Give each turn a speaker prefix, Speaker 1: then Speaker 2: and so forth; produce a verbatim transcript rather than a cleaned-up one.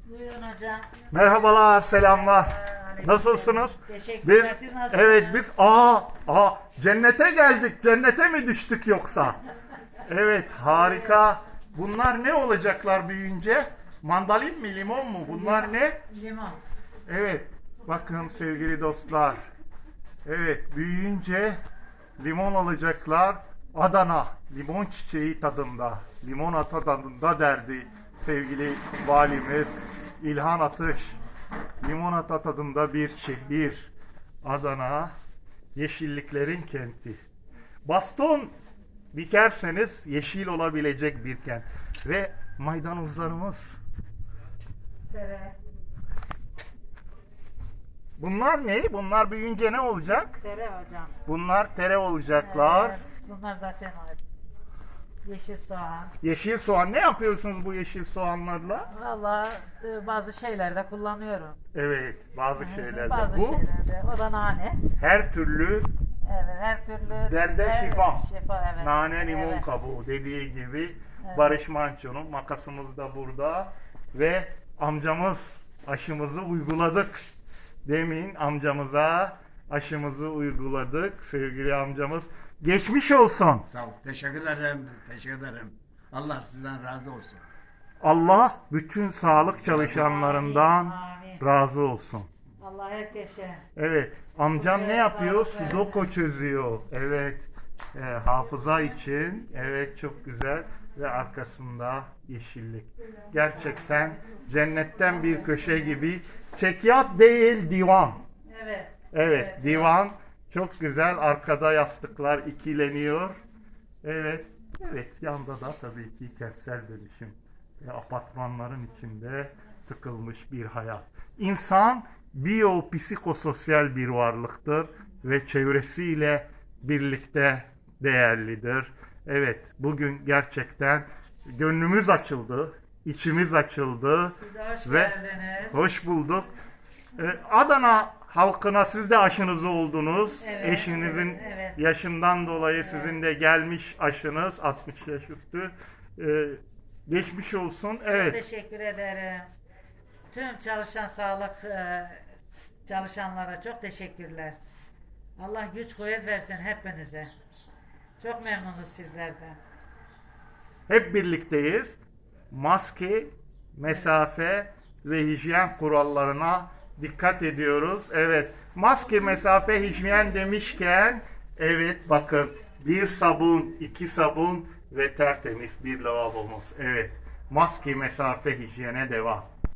Speaker 1: Buyurun hocam.
Speaker 2: Merhabalar, selamlar.
Speaker 1: Aleyküm
Speaker 2: Nasılsınız?
Speaker 1: selam. Teşekkürler.
Speaker 2: Biz
Speaker 1: Siz nasılsınız?
Speaker 2: evet biz aa aa cennete geldik. Cennete mi düştük yoksa? Evet, harika. Bunlar ne olacaklar büyüyünce? Mandalin mi, limon mu? Bunlar ne?
Speaker 1: Limon.
Speaker 2: Evet. Bakın sevgili dostlar. Evet, büyüyünce limon alacaklar. Adana limon çiçeği tadında, limonata tadında derdi sevgili valimiz İlhan Atış. Limonata tadında bir şehir. Adana, yeşilliklerin kenti. Baston dikerseniz yeşil olabilecek bir kent. Ve maydanozlarımız.
Speaker 1: Tere.
Speaker 2: Bunlar ne? Bunlar büyüyünce ne olacak?
Speaker 1: Tere hocam.
Speaker 2: Bunlar tere olacaklar.
Speaker 1: Evet, bunlar zaten var. Yeşil soğan.
Speaker 2: Yeşil soğan. Ne yapıyorsunuz bu yeşil soğanlarla?
Speaker 1: Valla e, bazı şeylerde kullanıyorum.
Speaker 2: Evet, bazı şeylerde.
Speaker 1: Bazı
Speaker 2: Bu
Speaker 1: şeylerde. O da nane.
Speaker 2: her türlü
Speaker 1: Evet, her türlü.
Speaker 2: derde
Speaker 1: evet,
Speaker 2: şifa.
Speaker 1: Şifa, evet.
Speaker 2: Nane, limon
Speaker 1: Evet.
Speaker 2: kabuğu dediği gibi
Speaker 1: Evet.
Speaker 2: Barış Manço'nun makasımız da burada ve amcamız aşımızı uyguladık. Demin amcamıza aşımızı uyguladık sevgili amcamız. Geçmiş olsun.
Speaker 3: Sağ ol. Teşekkür ederim. Teşekkür ederim. Allah sizden razı olsun.
Speaker 2: Allah bütün sağlık çalışanlarından
Speaker 1: Amin.
Speaker 2: razı olsun.
Speaker 1: Allah herkese.
Speaker 2: Evet. Amcam
Speaker 1: Evet,
Speaker 2: ne yapıyor?
Speaker 1: sağlık versin.
Speaker 2: Sudoku çözüyor. Evet. E, hafıza için. Evet, çok güzel. Ve arkasında yeşillik. Gerçekten cennetten bir köşe gibi. Çekyat değil, divan.
Speaker 1: Evet.
Speaker 2: Evet, divan. Çok güzel. Arkada yastıklar ikileniyor. Evet. Evet, yanda da tabii ki kentsel dönüşüm. Ve apartmanların içinde tıkılmış bir hayat. İnsan biyopsikososyal bir varlıktır ve çevresiyle birlikte değerlidir. Evet, bugün gerçekten gönlümüz açıldı, içimiz açıldı
Speaker 1: Siz de hoş
Speaker 2: ve
Speaker 1: geldiniz.
Speaker 2: hoş bulduk. Ee, Adana halkına siz de aşınızı oldunuz.
Speaker 1: Evet,
Speaker 2: Eşinizin
Speaker 1: evet, evet.
Speaker 2: yaşından dolayı sizin de gelmiş aşınız altmış yaş üstü. Ee, geçmiş olsun.
Speaker 1: Çok
Speaker 2: Evet.
Speaker 1: teşekkür ederim. Tüm çalışan sağlık e, çalışanlara çok teşekkürler. Allah güç kuvvet versin hepinize. Çok memnunuz sizlerden.
Speaker 2: Hep birlikteyiz. Maske, mesafe ve hijyen kurallarına dikkat ediyoruz. Evet, maske, mesafe, hijyen demişken evet bakın bir sabun, iki sabun ve tertemiz bir lavabomuz. Evet, maske, mesafe, hijyene devam.